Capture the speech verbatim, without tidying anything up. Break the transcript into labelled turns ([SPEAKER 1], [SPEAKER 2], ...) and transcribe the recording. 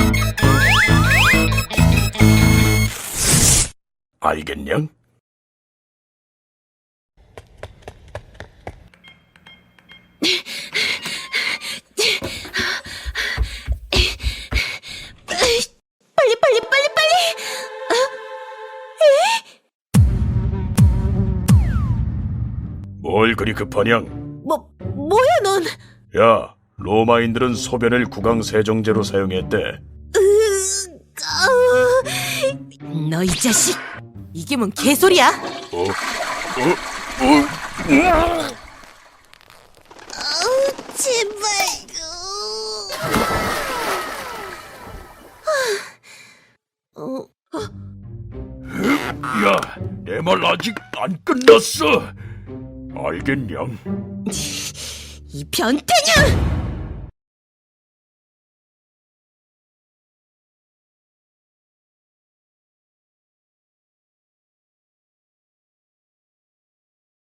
[SPEAKER 1] 알겠냐?
[SPEAKER 2] 빨리 빨리 빨리 빨리.
[SPEAKER 1] 뭘 그리 급하냐?
[SPEAKER 2] 뭐 뭐야 넌?
[SPEAKER 1] 야, 로마인들은 소변을 구강세정제로 사용했대.
[SPEAKER 2] 너 이 자식! 이게 뭔 개소리야?
[SPEAKER 1] 어? 어? 어?
[SPEAKER 2] 제발. 어,
[SPEAKER 1] 야, 내 말 아직 안 끝났어. 알겠냐?
[SPEAKER 2] 이 변태냐!